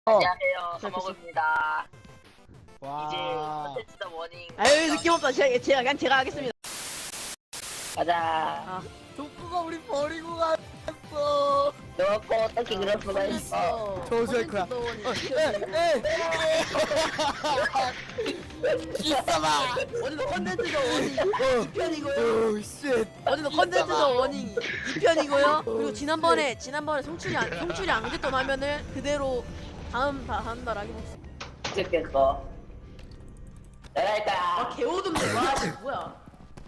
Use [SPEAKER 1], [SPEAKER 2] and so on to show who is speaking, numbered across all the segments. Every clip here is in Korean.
[SPEAKER 1] 안녕하세요. 서먹입니다.
[SPEAKER 2] 와.
[SPEAKER 1] 이제 컨텐츠다 워닝.
[SPEAKER 3] 아유 느낌 없다. 제가 하겠습니다.
[SPEAKER 1] 가자.
[SPEAKER 2] 독구가 우리 버리고 갔어.
[SPEAKER 1] 너고 어떻게 그럴 수가 있어?
[SPEAKER 2] 조수의 있어봐.
[SPEAKER 3] 어디도 컨텐츠도 워닝 2편이고요.
[SPEAKER 2] 오 쉣.
[SPEAKER 3] 어디도 컨텐츠도 워닝 2편이고요. 그리고 지난번에 송출이 안 됐던 화면을 그대로 다음 달 하게 먹습니다.
[SPEAKER 1] 죽겠어. 내가 할까?
[SPEAKER 3] 개오듬네. 와 뭐야?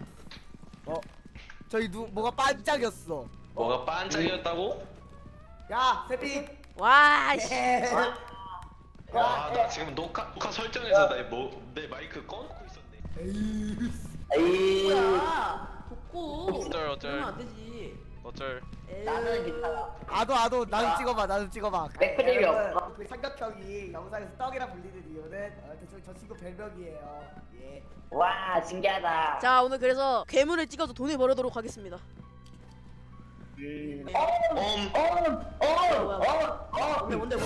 [SPEAKER 2] 저기 뭐가 반짝였어.
[SPEAKER 4] 뭐가 반짝이었다고?
[SPEAKER 2] 야 세핑.
[SPEAKER 3] 와 씨.
[SPEAKER 4] 와, 나 지금 녹화 설정에서 내 마이크 꺼놓고 있었네.
[SPEAKER 1] 에이.
[SPEAKER 3] 뭐야? 덥고.
[SPEAKER 4] 어쩔.
[SPEAKER 3] 그러면 안 되지.
[SPEAKER 4] 어쩔.
[SPEAKER 1] 나는 괜찮아.
[SPEAKER 2] 아도 나도 찍어봐. 나도 찍어봐.
[SPEAKER 1] 백프림이
[SPEAKER 2] 여러분,
[SPEAKER 1] 없어.
[SPEAKER 2] 그 삼각형이 영상에서 떡이라 불리는 이유는 대충 저 친구 별명이에요. 예.
[SPEAKER 1] 와 신기하다.
[SPEAKER 3] 자 오늘 그래서 괴물을 찍어서 돈을 벌어도록 하겠습니다. 뭔데?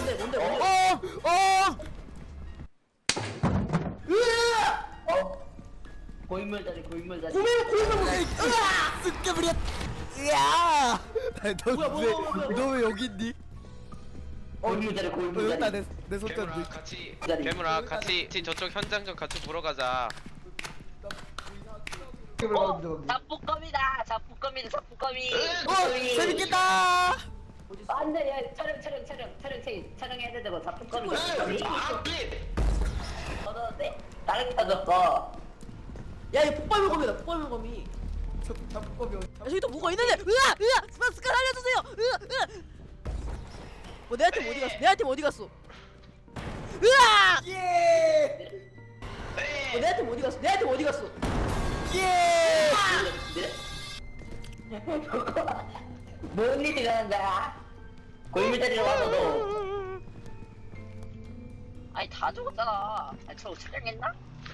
[SPEAKER 1] 고인물자리 고인물자리.
[SPEAKER 2] 쓱깨버렸. 야.
[SPEAKER 3] 뭐야.
[SPEAKER 2] 너왜 여기 있니?
[SPEAKER 1] 고인물자리
[SPEAKER 2] 여기다
[SPEAKER 1] 고인물자리.
[SPEAKER 2] 내 손잡이.
[SPEAKER 4] 괴물아 같이 저쪽 현장 좀 같이 보러 가자.
[SPEAKER 1] 잡부검이다. 잡부검이.
[SPEAKER 2] 재밌겠다.
[SPEAKER 1] 안돼 야 촬영해야 되고 잡부검이. 얻었는데 다른 터졌어.
[SPEAKER 3] 야 이거 폭발물검이다. 폭발물검이.
[SPEAKER 2] 잡법이
[SPEAKER 3] 야, 저기 또 뭐가 있는데? 으아! 스카 살려주세요! 뭐 내 아이템 어디 갔어? 내 아이템 어디 갔어? 으아!
[SPEAKER 2] 예.
[SPEAKER 3] 내 아이템 어디 갔어? 내 아이템 어디 갔어?
[SPEAKER 2] 예.
[SPEAKER 1] 뭔 일이 일어난 거야? 고인물자리로 와서도. 아니 다 죽었잖아. 아니 저 촬영했나?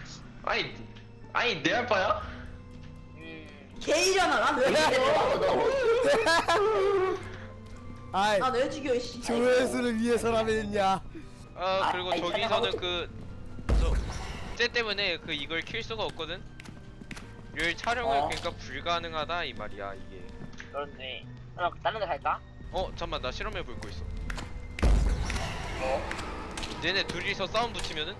[SPEAKER 4] 아니 내 알바야?
[SPEAKER 3] 개이잖아. 난왜
[SPEAKER 1] 고인물자리로
[SPEAKER 3] 죽여?
[SPEAKER 1] 와서도.
[SPEAKER 2] 아이.
[SPEAKER 3] 난왜 죽여 씨.
[SPEAKER 2] 조회수를 위해서라면야.
[SPEAKER 4] 그리고
[SPEAKER 1] 아니,
[SPEAKER 4] 저기서는 쟤 때문에 이걸 킬 수가 없거든. 이 촬영을 그러니까 불가능하다 이 말이야 이게.
[SPEAKER 1] 그렇네. 그럼 다른 데 갈까?
[SPEAKER 4] 잠만 나 실험해 볼 거 있어. 얘네 둘이서 싸움 붙이면은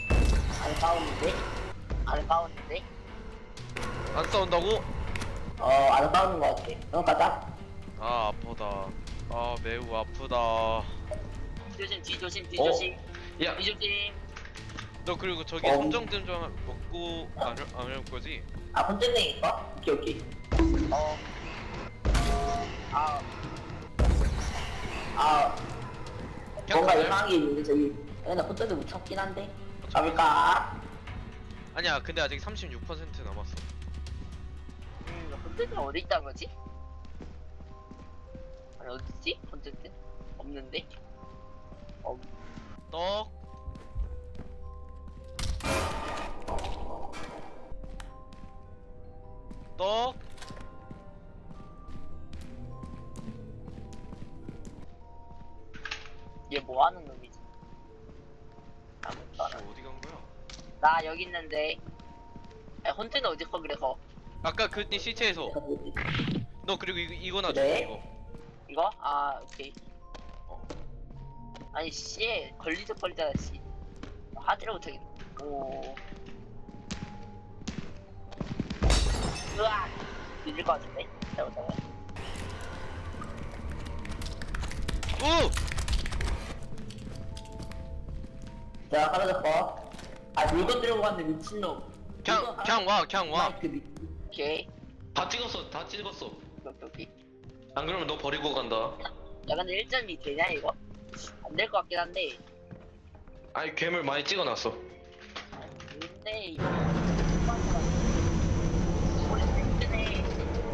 [SPEAKER 1] 안 싸우는데?
[SPEAKER 4] 안 싸운다고?
[SPEAKER 1] 안 싸우는 거 같아. 그럼 가자.
[SPEAKER 4] 아 아프다. 아 매우 아프다.
[SPEAKER 1] 뒤조심.
[SPEAKER 4] 야,
[SPEAKER 1] 뒤조심.
[SPEAKER 4] 너 그리고 저기
[SPEAKER 1] 어.
[SPEAKER 4] 함정템 좀 먹고 안 올 거지?
[SPEAKER 1] 혼잣내 있어? 오케이.
[SPEAKER 4] 그냥
[SPEAKER 1] 뭔가
[SPEAKER 4] 가자.
[SPEAKER 1] 이상한 게 있는데 저기. 나 혼잣내 못 참긴 한데. 가볼까?
[SPEAKER 4] 아니야 근데 아직 36% 남았어.
[SPEAKER 1] 혼잣내 어디 있다는 거지? 아니 어딨지? 혼잣내? 없는데?
[SPEAKER 4] 떡. 떡.
[SPEAKER 1] 얘 뭐 하는 놈이지? 아무것도 안
[SPEAKER 4] 씨,
[SPEAKER 1] 하네.
[SPEAKER 4] 어디 간 거야?
[SPEAKER 1] 나 여기 있는데. 야, 혼잣내 어디 거 그래서?
[SPEAKER 4] 아까 그네 시체에서. 너 그리고 이거 놔줘
[SPEAKER 1] 네?
[SPEAKER 4] 이거.
[SPEAKER 1] 이거? 오케이. 아니 씨 걸리적거리잖아 씨. 하지를 못하겠네. 오. 으악. 늦을 것 같은데? 잘못하면.
[SPEAKER 4] 오!
[SPEAKER 1] 자 사라졌고. 물건 들고 갔는데 미친놈.
[SPEAKER 4] 그냥 와.
[SPEAKER 1] 오케이.
[SPEAKER 4] 다 찍었어.
[SPEAKER 1] 오케이.
[SPEAKER 4] 안 그러면 너 버리고 간다.
[SPEAKER 1] 야 근데 1점이 되냐 이거? 안 될 것 같긴 한데.
[SPEAKER 4] 아니 괴물 많이 찍어놨어.
[SPEAKER 1] 근데 이거 원래 힘드네.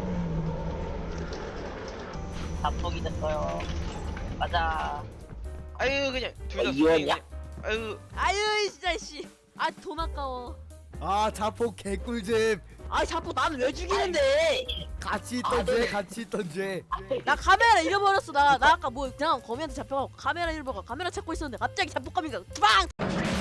[SPEAKER 1] 자폭이 됐어요. 가자.
[SPEAKER 4] 아유 그냥 둘 다
[SPEAKER 1] 이원이야?
[SPEAKER 4] 아유
[SPEAKER 3] 아유 진짜 씨. 돈 아까워.
[SPEAKER 2] 자폭 개꿀잼.
[SPEAKER 3] 아 자꾸 나는 왜 죽이는데?
[SPEAKER 2] 같이 있던 죄, 같이 있던 죄.
[SPEAKER 3] 나 카메라 잃어버렸어. 나 아까 뭐 그냥 거미한테 잡혀가고 카메라 잃어버려. 카메라 찾고 있었는데 갑자기 잡폭감이가 빵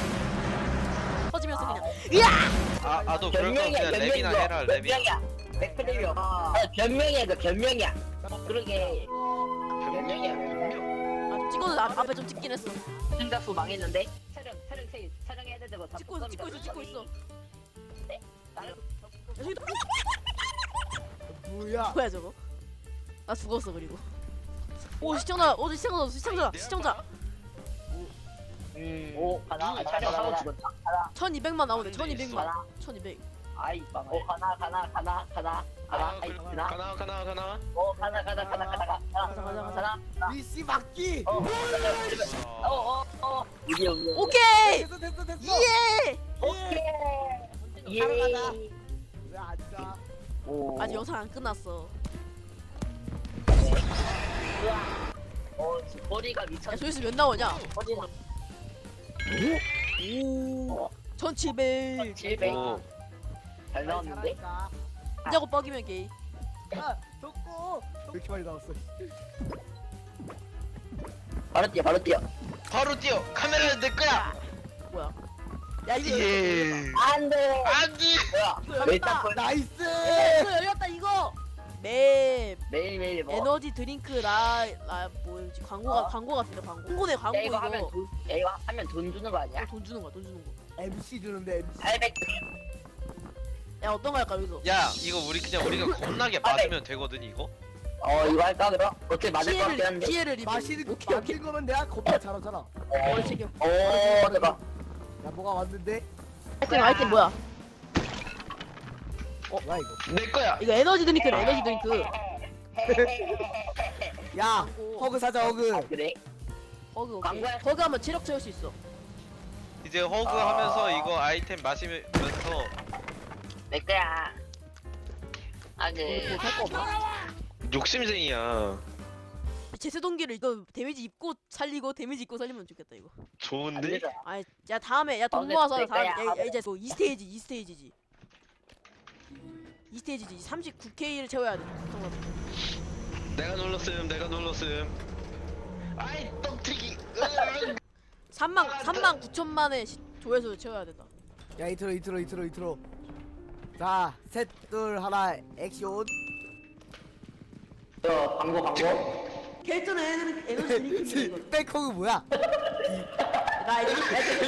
[SPEAKER 3] 터지면서 그냥 으아!
[SPEAKER 4] 너 그럴 거면 그냥 랩이나 해라 랩이.
[SPEAKER 5] 변명이야. 100%야. 변명이야, 그 변명이야. 그러게. 변명이야.
[SPEAKER 3] 아 찍어도 앞에 좀 찍긴 했어.
[SPEAKER 5] 생각수 망했는데. 촬영해야 되고.
[SPEAKER 3] 찍고 있어. 야, 저기도
[SPEAKER 2] 뭐야?
[SPEAKER 3] 뭐야 저거? 나 죽었어 그리고. 오 시청자.
[SPEAKER 5] 오, 가나. 촬영하고 죽었다. 가나.
[SPEAKER 3] 1200만 나오네.
[SPEAKER 4] 한 대
[SPEAKER 3] 1200만.
[SPEAKER 5] 가나.
[SPEAKER 3] 1200.
[SPEAKER 5] 아이, 빵. 오, 가나. 아이, 가나.
[SPEAKER 4] 가나.
[SPEAKER 5] 오, 가나.
[SPEAKER 3] 가자.
[SPEAKER 2] 미씨 막기.
[SPEAKER 5] 우리
[SPEAKER 3] 오케이.
[SPEAKER 2] 됐어.
[SPEAKER 3] 예.
[SPEAKER 5] 오케이.
[SPEAKER 2] 바로
[SPEAKER 5] 예.
[SPEAKER 2] 가자. 왜 앉아?
[SPEAKER 5] 오.
[SPEAKER 3] 아직 영상 안 끝났어.
[SPEAKER 5] 머리가 미쳤.
[SPEAKER 3] 야 조회수 몇 나오냐?
[SPEAKER 5] 머리는
[SPEAKER 3] 오. 1700.
[SPEAKER 5] 700.
[SPEAKER 4] 오.
[SPEAKER 5] 잘 나왔는데?
[SPEAKER 2] 잘하니까.
[SPEAKER 3] 자고 뻑이면 게이.
[SPEAKER 2] 야, 덕구. 왜 이렇게 많이 나왔어?
[SPEAKER 5] 바로 뛰어.
[SPEAKER 4] 바로 뛰어. 카메라는 내 거야.
[SPEAKER 3] 뭐야? 야 이거
[SPEAKER 4] 예.
[SPEAKER 5] 안 돼.
[SPEAKER 4] 안돼.
[SPEAKER 5] 뭐야?
[SPEAKER 3] 열렸다.
[SPEAKER 5] 일단 걸
[SPEAKER 2] 나이스.
[SPEAKER 3] 이거 열렸다 이거. 맵
[SPEAKER 5] 매일매일 뭐.
[SPEAKER 3] 에너지 드링크 라 뭐였지? 광고 같은데 광고. 홍보네 광고
[SPEAKER 5] 야, 이거 하면
[SPEAKER 3] 이거.
[SPEAKER 5] 돈, 야, 이거 하면 돈 주는 거 아니야?
[SPEAKER 3] 돈 주는 거야.
[SPEAKER 2] MC 주는데 MC.
[SPEAKER 5] 800.
[SPEAKER 3] 야 어떤 거 할까 여기서?
[SPEAKER 4] 야 이거 우리가 겁나게 맞으면 되거든 이거.
[SPEAKER 5] 이거 할까 그럼? 어떻게 맞을 것 같긴 한데.
[SPEAKER 3] 피해를 입을.
[SPEAKER 2] 마시는
[SPEAKER 3] 오케이.
[SPEAKER 2] 만든 거면 내가 겁나 잘하잖아.
[SPEAKER 3] 머리 챙겨.
[SPEAKER 5] 오, 대박.
[SPEAKER 2] 야, 뭐가 왔는데?
[SPEAKER 3] 아이템 뭐야?
[SPEAKER 2] 뭐야 이거?
[SPEAKER 4] 내 거야.
[SPEAKER 3] 이거 에너지 드링크네. 에너지 드링크.
[SPEAKER 2] 야,
[SPEAKER 3] 광고.
[SPEAKER 2] 허그 사자 허그.
[SPEAKER 5] 그래?
[SPEAKER 3] 버그 오케이.
[SPEAKER 5] 광고야.
[SPEAKER 3] 버그 하면 체력 채울 수 있어.
[SPEAKER 4] 이제 허그 하면서 이거 아이템 마시면서
[SPEAKER 5] 내 거야. 아니.
[SPEAKER 3] 살거 없나?
[SPEAKER 4] 욕심쟁이야.
[SPEAKER 3] 제세 동기를 이거 데미지 입고 살리고 데미지 입고 살리면 좋겠다 이거.
[SPEAKER 4] 좋은데?
[SPEAKER 3] 아이 야 다음에 야 돈
[SPEAKER 5] 근데
[SPEAKER 3] 모아서
[SPEAKER 5] 내 거야.
[SPEAKER 3] 다음 야, 이제 뭐 2스테이지지. 39K를 채워야 돼.
[SPEAKER 4] 내가 눌렀음. 아이 떡튀기.
[SPEAKER 3] 3만 9천만의 조회수 채워야 된다.
[SPEAKER 2] 야, 이트로. 자, 셋, 둘, 하나, 액션.
[SPEAKER 5] 저 광고.
[SPEAKER 3] 결전은 에너지 드링크 이거.
[SPEAKER 2] 백허그 뭐야?
[SPEAKER 3] 나 이거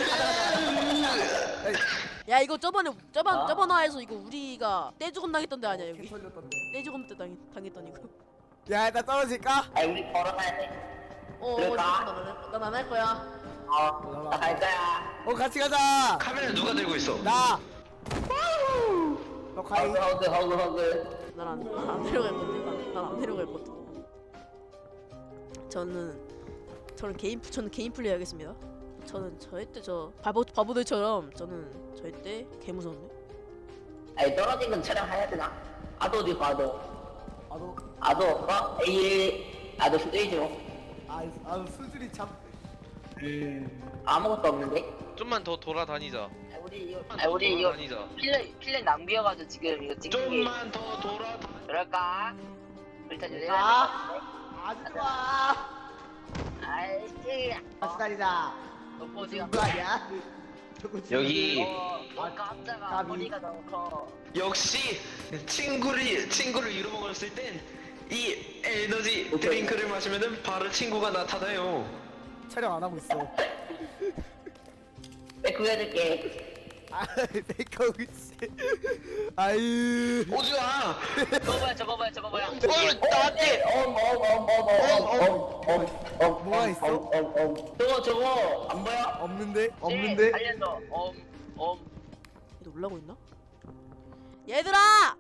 [SPEAKER 3] 야 이거 저번에 화에서 이거 우리가 떼죽음 당했던 데 아니야 여기?
[SPEAKER 2] 털렸던데.
[SPEAKER 3] 떼죽음 때 당했던 이거.
[SPEAKER 2] 야, 일단 떨어질까?
[SPEAKER 5] 아니, 우리 걸어가야 돼. 그럴까?
[SPEAKER 3] 난 안 할 거야.
[SPEAKER 5] 나 갈 거야.
[SPEAKER 2] 같이 가자.
[SPEAKER 4] 카메라 누가 들고 있어?
[SPEAKER 2] 나. 너 가이.
[SPEAKER 5] 허그.
[SPEAKER 3] 난 안 내려갈 건데. 난 안 내려갈 건데. 저는 개인 플레이 하겠습니다. 저는 절대 바보들처럼 저는 절대 개 무서운데.
[SPEAKER 5] 아니, 떨어진 건 촬영해야 되나? 아도 어디 가, 아도 없어? A1, 아도 스테이지로.
[SPEAKER 2] 수준이 참.
[SPEAKER 5] 아무것도 없는데?
[SPEAKER 4] 좀만 더 돌아다니자.
[SPEAKER 5] 우리 이거
[SPEAKER 4] 다니자.
[SPEAKER 5] 필렛 낭비여가지고 지금 이거 찍는 게.
[SPEAKER 4] 좀만 더 돌아.
[SPEAKER 5] 그럴까? 일단 요새
[SPEAKER 2] 아주 좋아.
[SPEAKER 5] 아이씨.
[SPEAKER 2] 같이 다니자.
[SPEAKER 5] 너
[SPEAKER 2] 누구
[SPEAKER 5] 보지가
[SPEAKER 2] 아니야?
[SPEAKER 4] 여기
[SPEAKER 5] 깜짝아. 머리가 너무 커.
[SPEAKER 4] 역시 친구를 잃어먹었을 땐 이 에너지 드링크를 마시면은 바로 친구가 나타나요.
[SPEAKER 2] 촬영 안 하고 있어.
[SPEAKER 5] 내 구해줄게.
[SPEAKER 2] 백허그 씨. 아유.
[SPEAKER 4] 오지마.
[SPEAKER 5] 저거 뭐야.
[SPEAKER 4] 나한테.
[SPEAKER 2] 뭐가 있어?
[SPEAKER 5] 저거 안 보여?
[SPEAKER 2] 없는데?
[SPEAKER 5] 알려줘.
[SPEAKER 3] 얘도 올라오고 있나? 얘들아!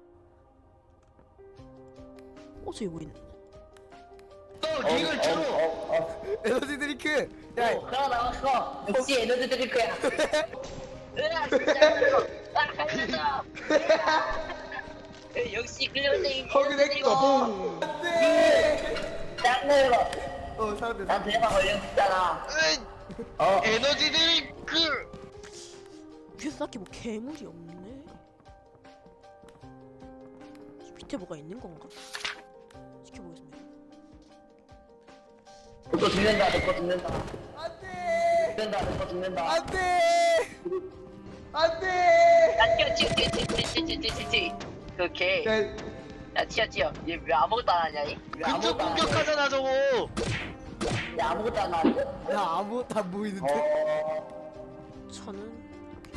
[SPEAKER 3] 저기 뭐 있네.
[SPEAKER 4] 이걸 쳐.
[SPEAKER 2] 에너지 드링크. 야,
[SPEAKER 5] 그거 나왔어. 역시 에너지 드링크야. 으아, 진짜. 알려줘. 역시 클레어쟁이.
[SPEAKER 2] 허그 넥터. 안돼.
[SPEAKER 5] 짱내려.
[SPEAKER 2] 사람들.
[SPEAKER 5] 난 대박 걸렸잖아.
[SPEAKER 4] 에너지 드링크.
[SPEAKER 3] 뒤에서 딱히 뭐 괴물이 없네. 밑에 뭐가 있는 건가? 지켜보겠습니다.
[SPEAKER 5] 너 죽는다, 너 죽는다.
[SPEAKER 2] 안돼
[SPEAKER 5] 죽는다, 너 죽는다.
[SPEAKER 2] 안돼 안돼
[SPEAKER 1] 야 튀어. 그걔 야 튀어. 얘 왜 아무것도 안 하냐 얘?
[SPEAKER 5] 왜
[SPEAKER 4] 근접
[SPEAKER 5] 아무것도 안 해?
[SPEAKER 4] 공격하잖아 저거.
[SPEAKER 5] 야, 아무것도 안 하는데?
[SPEAKER 2] 야 아무것도 안 보이는데
[SPEAKER 3] 저는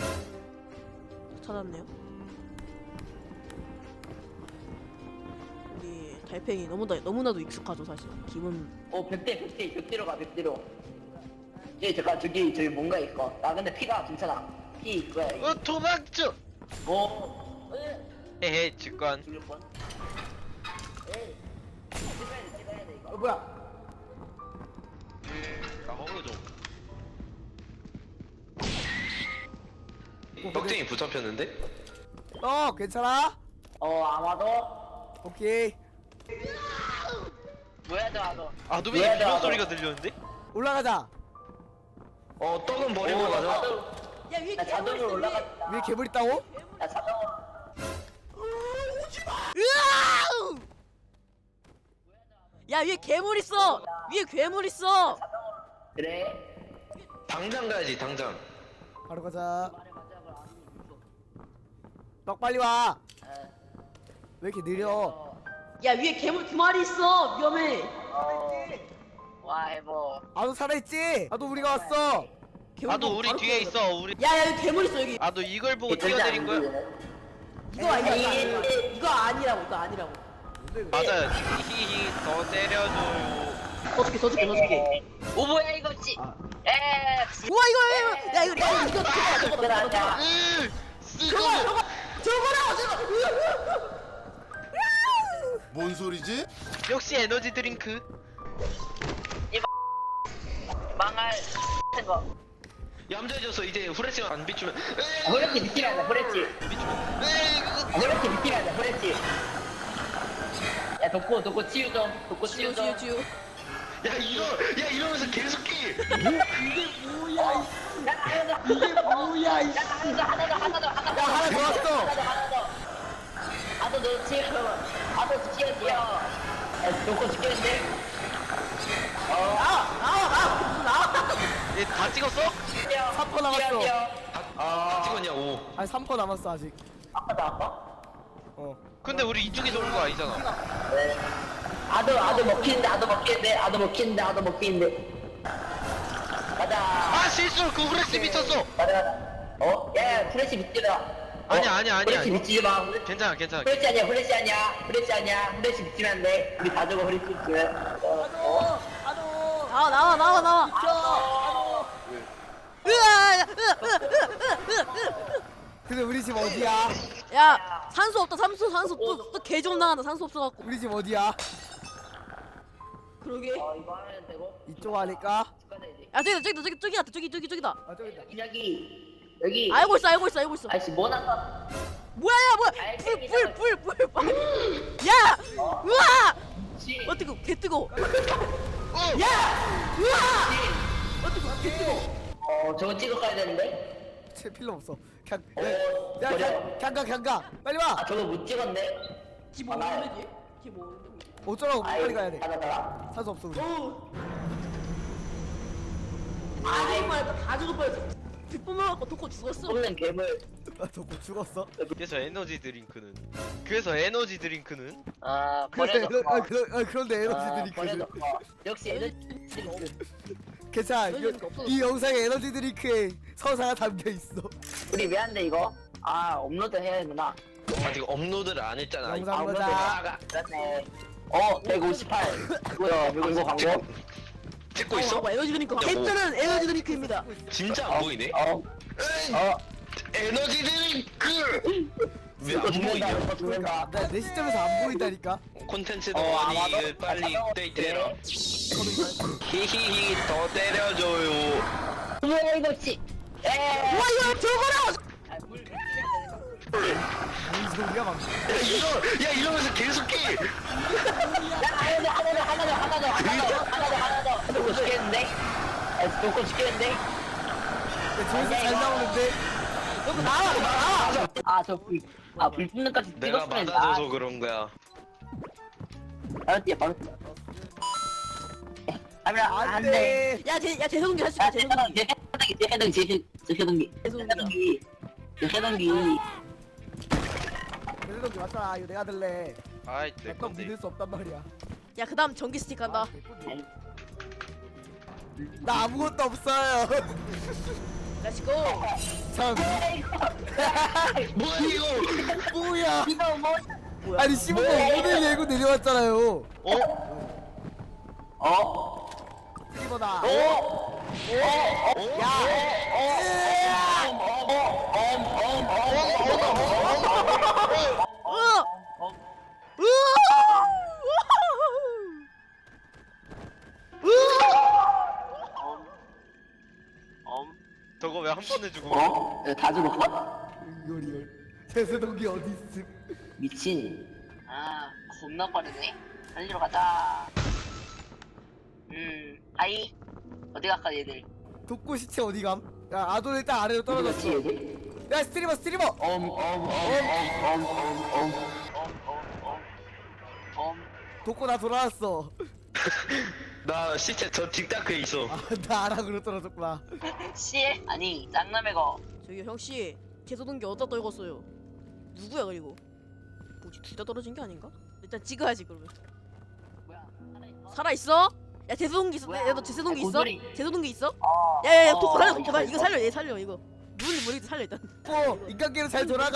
[SPEAKER 3] 찾았네요. 우리 달팽이 너무나도 익숙하죠 사실. 기분
[SPEAKER 5] 벽대로 가, 벽대로. 잠깐, 저기 뭔가 있어. 나 근데 피가 괜찮아. 피 이거야.
[SPEAKER 4] 도망쳐.
[SPEAKER 5] 뭐,
[SPEAKER 4] 헤헤 직관.
[SPEAKER 5] 죽을 뻔. 에이, 찍어야 돼, 이거.
[SPEAKER 2] 뭐야
[SPEAKER 4] 나 허그 좀. 떡쟁이 붙잡혔는데?
[SPEAKER 2] 괜찮아
[SPEAKER 5] 아마도.
[SPEAKER 2] 오케이
[SPEAKER 1] 뭐야 너
[SPEAKER 4] 아도미
[SPEAKER 5] 왜
[SPEAKER 4] 비명
[SPEAKER 5] 나와?
[SPEAKER 4] 소리가 들렸는데?
[SPEAKER 2] 올라가자
[SPEAKER 4] 떡은 버리고 가자.
[SPEAKER 3] 야 위에
[SPEAKER 5] 나 자동으로 올라갔다.
[SPEAKER 2] 위에 괴물 있다고?
[SPEAKER 5] 나 자동으로.
[SPEAKER 3] 으아! 야 위에 괴물 있어. 위에 괴물 있어.
[SPEAKER 5] 그래.
[SPEAKER 4] 당장 가야지 당장.
[SPEAKER 2] 바로 가자 떡 빨리 와 왜 이렇게 느려
[SPEAKER 3] 야 위에 괴물 2마리 있어. 위험해.
[SPEAKER 1] 와 해보.
[SPEAKER 2] 아도 살아있지? 아도 우리가 왔어
[SPEAKER 4] 아도 우리 뒤에 있어. 우리.
[SPEAKER 3] 야야 여기 괴물 있어 여기.
[SPEAKER 4] 아도 이걸 보고 뛰어내린 거야?
[SPEAKER 3] 이거 아니야. 이거 아니라고.
[SPEAKER 4] 맞아요. 히히히 더 때려줘요.
[SPEAKER 3] 더 줄게.
[SPEAKER 1] 오 뭐야 이거지? 에.
[SPEAKER 3] 우와 이거 야 이거
[SPEAKER 5] 들어가자.
[SPEAKER 3] 저거라고.
[SPEAKER 6] 뭔 소리지?
[SPEAKER 4] 역시 에너지 드링크.
[SPEAKER 1] 망할 같은 거.
[SPEAKER 4] 얌전해졌어. 이제 후레쉬가 안 비추면.
[SPEAKER 5] 후레쉬 미치면 안 돼, 후레쉬. 후레쉬 미치면 안 돼, 후레쉬. 야, 돋고 치유 좀. 돋고 치유 좀.
[SPEAKER 3] 지우.
[SPEAKER 4] 야 이러면서 계속 끼.
[SPEAKER 5] 야, 하나 더.
[SPEAKER 2] 야 하나 더 왔어
[SPEAKER 5] 아도 너 치유. 아도 치유. 돋고 죽겠는데?
[SPEAKER 4] 얘 다 찍었어?
[SPEAKER 2] 3% 남았어
[SPEAKER 4] 다 찍었냐고.
[SPEAKER 2] 아니 3% 남았어 아직
[SPEAKER 5] 아까?
[SPEAKER 4] 근데 우리 이쪽에 도는 거 아니잖아.
[SPEAKER 5] 아도 먹히는데. 가자.
[SPEAKER 4] 아 실수로 그 후레쉬 미쳤어.
[SPEAKER 5] 가자. 야, 후레쉬 미치라.
[SPEAKER 4] 아니야.
[SPEAKER 5] 후레쉬 미치지 마.
[SPEAKER 4] 괜찮아.
[SPEAKER 5] 후레쉬 아니야. 후레쉬 미치면 안 돼. 우리 다 죽어, 후레쉬 미치면.
[SPEAKER 3] 나와. 으아!
[SPEAKER 2] 근데 우리 집 어디야?
[SPEAKER 3] 야 산소 없다. 산소 또 개좀 나간다. 산소 없어갖고.
[SPEAKER 2] 우리 집 어디야?
[SPEAKER 3] 그러게.
[SPEAKER 5] 이거 하면 되고.
[SPEAKER 2] 이쪽 아닐까?
[SPEAKER 5] 가자, 이제.
[SPEAKER 3] 야 저기다.
[SPEAKER 2] 아 저기다
[SPEAKER 5] 여기.
[SPEAKER 3] 알고 있어.
[SPEAKER 5] 아이씨, 뭐 난다.
[SPEAKER 3] 뭐야. 불. 야! 우와! 뜨거. 개 뜨거. 야! 우와! 개 뜨거.
[SPEAKER 5] 저거 찍어 가야 되는데?
[SPEAKER 2] 제 필요 없어 그냥
[SPEAKER 5] 버려.
[SPEAKER 2] 그냥 가 빨리 와
[SPEAKER 5] 저거 못 찍었네?
[SPEAKER 3] 지
[SPEAKER 5] 아, 나야.
[SPEAKER 3] 모르는데? 지 모르는데?
[SPEAKER 2] 어쩌라고 빨리 가야 돼
[SPEAKER 5] 가자.
[SPEAKER 2] 산소 없어 우리
[SPEAKER 3] 다 죽을 뻔했어. 빗뿜어갖고 독고 죽었어.
[SPEAKER 5] 뽑는 괴물.
[SPEAKER 2] 너뭐 죽었어?
[SPEAKER 4] 그래서 에너지 드링크는
[SPEAKER 1] 아 버려줘.
[SPEAKER 2] 그런데 에너지들이
[SPEAKER 5] 버려줘. 역시 에너지.
[SPEAKER 2] 괜찮아
[SPEAKER 3] 에너지가 없어졌어.
[SPEAKER 2] 이 영상에 에너지 드링크에 서사가 담겨있어
[SPEAKER 5] 우리 왜 안 돼, 이거? 업로드 해야 되구나.
[SPEAKER 4] 아직 업로드를 안 했잖아.
[SPEAKER 2] 영상
[SPEAKER 5] 업로드
[SPEAKER 2] 보자
[SPEAKER 5] 해야 그렇네. 158. 이거요, 이거 광고?
[SPEAKER 4] 찍고 있어?
[SPEAKER 3] 에너지 드링크.
[SPEAKER 4] 야, 뭐.
[SPEAKER 3] 캡틴은 에너지 드링크입니다.
[SPEAKER 4] 진짜 안 보이네. 에너지 드링크. 왜 안 보이냐?
[SPEAKER 5] 죽는다.
[SPEAKER 2] 내 시점에서 안 보인다니까
[SPEAKER 4] 콘텐츠 동원이
[SPEAKER 5] 아마도?
[SPEAKER 4] 빨리
[SPEAKER 5] 아마도?
[SPEAKER 4] 업데이트해라.
[SPEAKER 5] 네.
[SPEAKER 4] 히히히 더 때려줘요.
[SPEAKER 5] 뭐야, 이거, 씨.
[SPEAKER 3] 와 이거 저거라고.
[SPEAKER 5] 물 미치면 되는
[SPEAKER 2] 무슨 소리야 막
[SPEAKER 4] 야 이러면서 계속 끼.
[SPEAKER 5] 하나 더. 놓고 죽겠는데? 놓고 죽겠는데?
[SPEAKER 2] 조회수 잘 나오는데
[SPEAKER 3] 나와.
[SPEAKER 5] 아저불 붙는 까지
[SPEAKER 4] 내가
[SPEAKER 5] 찍었으면
[SPEAKER 4] 맞아줘서 그런 거야.
[SPEAKER 5] 바로 뛰어 바로 뛰어. 아니야 안돼.
[SPEAKER 3] 야 재성기 할 수 있다. 재성기.
[SPEAKER 5] 해동기
[SPEAKER 2] 그래도 맞다. 이거 내가 들래.
[SPEAKER 4] 아이 내
[SPEAKER 2] 약간
[SPEAKER 4] 건데.
[SPEAKER 2] 믿을 수 없단 말이야.
[SPEAKER 3] 야 그다음 전기 스틱 한다.
[SPEAKER 2] 나 아무것도 없어요.
[SPEAKER 3] 렛츠고.
[SPEAKER 2] 참.
[SPEAKER 5] 뭐야 이거?
[SPEAKER 2] 뭐야?
[SPEAKER 5] 이거 뭐?
[SPEAKER 3] 뭐야?
[SPEAKER 2] 아니 15분 오늘 예고 내려왔잖아요. 스티버다.
[SPEAKER 4] 저거 왜 한 번에 주고?
[SPEAKER 5] 다 죽었어?
[SPEAKER 2] 이걸 제세동기 어디 있음?
[SPEAKER 5] 미친.
[SPEAKER 1] 아 겁나 빠르네. 달리러 가자. 하이 어디 갈까 얘들.
[SPEAKER 2] 독고 시체 어디 감? 야 아돈 일단 아래로 떨어졌어.
[SPEAKER 5] 얘들?
[SPEAKER 2] 야 스트리머. 독고 나 돌아왔어.
[SPEAKER 4] 나 시체 저 뒷다크에 있어.
[SPEAKER 2] 나 아락으로 떨어졌구나.
[SPEAKER 1] 씨 아니 짱남애가
[SPEAKER 3] 저기 형씨 재소동기 어디다 떨궜어요? 누구야 그리고? 뭐지 둘 다 떨어진 게 아닌가? 일단 찍어야지 그러면.
[SPEAKER 1] 뭐야
[SPEAKER 3] 살아 있어? 야 재소동기 있어?
[SPEAKER 1] 뭐야?
[SPEAKER 3] 야너 재소동기 있어?
[SPEAKER 1] 고소리.
[SPEAKER 3] 재소동기 있어?
[SPEAKER 1] 어.
[SPEAKER 3] 야야야
[SPEAKER 1] 어,
[SPEAKER 3] 독고 살려
[SPEAKER 1] 있어,
[SPEAKER 3] 독고 살려
[SPEAKER 1] 있어.
[SPEAKER 3] 이거 살려 얘 살려 이거 누군지 모르겠는데 살려 일단.
[SPEAKER 2] 독고 인간계로 잘 돌아가.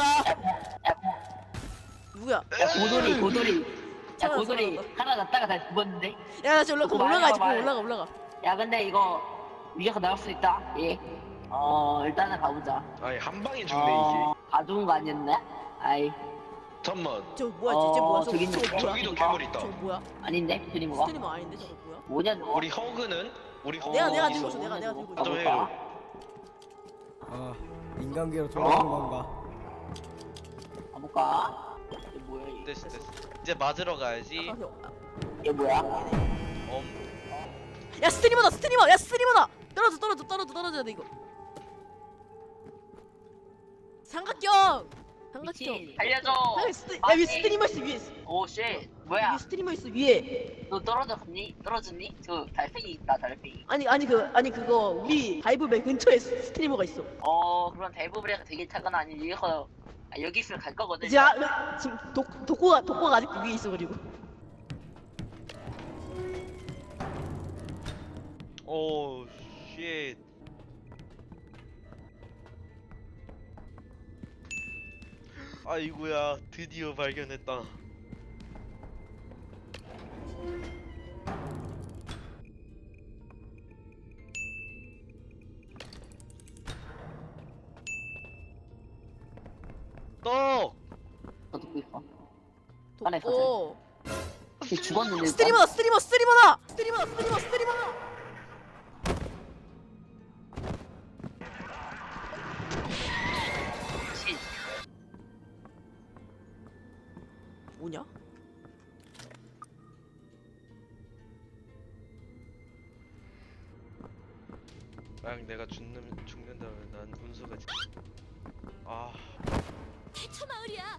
[SPEAKER 3] 누구야?
[SPEAKER 5] 야 고돌이. 야
[SPEAKER 3] 살아났어,
[SPEAKER 5] 고돌이
[SPEAKER 3] 살아났어.
[SPEAKER 5] 하나 났다가 다시 죽었는데.
[SPEAKER 3] 야 지금
[SPEAKER 5] 독고
[SPEAKER 3] 올라가야지
[SPEAKER 5] 말해봐,
[SPEAKER 3] 그럼 올라가.
[SPEAKER 5] 야 근데 이거 위에서 나올 수 있다. 예. 일단은 가보자.
[SPEAKER 4] 아니 한 방에 죽네 이게.
[SPEAKER 5] 다 죽은 거 아니었나? 아이
[SPEAKER 4] 잠만.
[SPEAKER 3] 저 뭐야 쟤 뭐야
[SPEAKER 5] 저기
[SPEAKER 3] 저거 뭐야?
[SPEAKER 4] 저기도 괴물 있다.
[SPEAKER 3] 저 뭐야?
[SPEAKER 5] 아닌데 스트리머가?
[SPEAKER 3] 스트리머 아닌데 저거 뭐야?
[SPEAKER 5] 뭐냐 너?
[SPEAKER 4] 우리 허그는? 우리 허그
[SPEAKER 3] 내가
[SPEAKER 4] 어디
[SPEAKER 3] 들고
[SPEAKER 4] 있어?
[SPEAKER 3] 있어 내가 들고 있어.
[SPEAKER 4] 좀
[SPEAKER 5] 가볼까?
[SPEAKER 4] 해요.
[SPEAKER 2] 아 인간계로 돌아오는 건가?
[SPEAKER 5] 가볼까? 이게 뭐야 이게?
[SPEAKER 4] 됐어. 이제 맞으러 가야지.
[SPEAKER 5] 이게 뭐야?
[SPEAKER 3] 야 스트리머다 야 스트리머다 떨어져야 돼 이거. 삼각형
[SPEAKER 5] 미친.
[SPEAKER 1] 달려줘.
[SPEAKER 3] 야 위에 스트리머 있어 위에
[SPEAKER 1] 오쉣 뭐야
[SPEAKER 3] 위에 스트리머 있어 위에.
[SPEAKER 1] 너 떨어졌니? 저 달팽이 있다 달팽이.
[SPEAKER 3] 아니 그거 우리 다이브맨 근처에 스트리머가 있어.
[SPEAKER 1] 그런 대부분이 되게 타거나 아니 여기 있으면 갈 거거든.
[SPEAKER 3] 이제 지금 독고가 아직 위에 있어 그리고.
[SPEAKER 4] 오 쉣. 아이고야 드디어 발견했다. 떡!
[SPEAKER 5] 너 듣고 있어. 안에
[SPEAKER 3] 독고.
[SPEAKER 5] 걔 죽었는데 일단.
[SPEAKER 3] 스트리머다.
[SPEAKER 1] 씨,
[SPEAKER 3] 뭐냐?
[SPEAKER 4] 만약 내가 죽는다면 난 운수가 아
[SPEAKER 3] 대처 마을이야.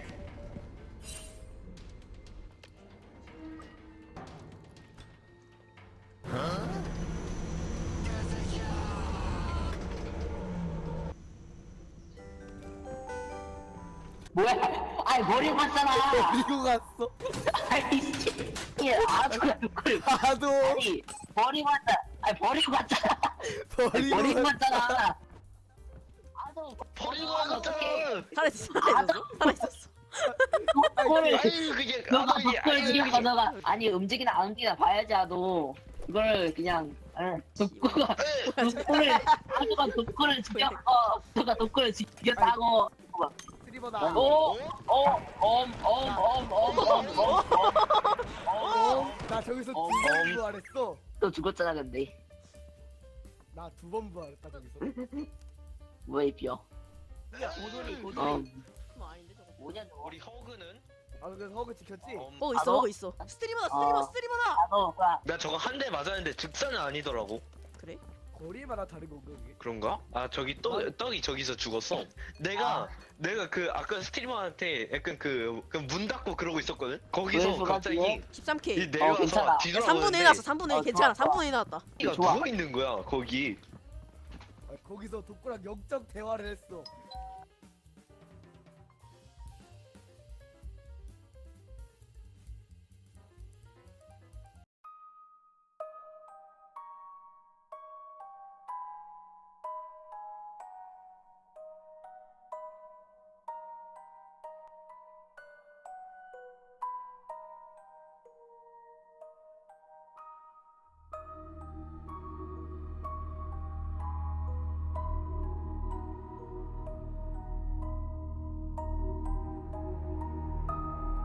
[SPEAKER 5] 뭐야? 아이 머리 봤잖아.
[SPEAKER 2] 그리고 갔어.
[SPEAKER 5] 아이 씨. 아주 그걸.
[SPEAKER 2] 나도
[SPEAKER 5] 아니 머리 봤다. 아니 버리고 갔잖아.
[SPEAKER 2] 버리고
[SPEAKER 5] 버리고
[SPEAKER 2] 갔-
[SPEAKER 5] 갔잖아. 아도
[SPEAKER 4] 버리고
[SPEAKER 5] 어떡해.
[SPEAKER 3] 살아있었어.
[SPEAKER 5] 그거를
[SPEAKER 4] 아유 그게
[SPEAKER 5] 너가
[SPEAKER 4] 아유, 이게-
[SPEAKER 5] 독걸
[SPEAKER 4] 아유,
[SPEAKER 5] 지금
[SPEAKER 4] 이게-
[SPEAKER 5] 너가 아니 움직이나 안 움직이나 봐야지 아도 이걸 그냥 독고가 독고를 아도가 독고를 죽였어. 너가 독고를 죽였다고.
[SPEAKER 2] 스트리머다. 나 저기서 두 번 부활했어.
[SPEAKER 5] 또 죽었잖아 근데.
[SPEAKER 2] 나 두 번 부활했다 저기서.
[SPEAKER 5] 뭐야 이 뼈.
[SPEAKER 1] 고돌이
[SPEAKER 5] 뭐냐 너.
[SPEAKER 4] 우리 허그는?
[SPEAKER 2] 아 근데 허그 지켰지?
[SPEAKER 3] 허그 있어. 스트리머다.
[SPEAKER 5] 나 저거
[SPEAKER 4] 나 저거 한 대 맞았는데 즉사는 아니더라고.
[SPEAKER 3] 그래?
[SPEAKER 2] 머리마다 다른 건가 그게?
[SPEAKER 7] 그런가? 아 저기 떡이 저기서 죽었어. 내가 그 아까 스트리머한테 약간 그 문 닫고 그러고 있었거든. 거기서
[SPEAKER 5] 왜
[SPEAKER 7] 갑자기
[SPEAKER 3] 13K.
[SPEAKER 7] 이 내려와서
[SPEAKER 5] 괜찮아.
[SPEAKER 3] 야,
[SPEAKER 7] 뒤돌아보는데
[SPEAKER 3] 3분의 1 났어. 3분의 1 괜찮아.
[SPEAKER 5] 좋아.
[SPEAKER 3] 3분의 1 나왔다.
[SPEAKER 7] 가
[SPEAKER 5] 좋아.
[SPEAKER 7] 누워 있는 거야 거기.
[SPEAKER 2] 거기서 독고랑 영적 대화를 했어.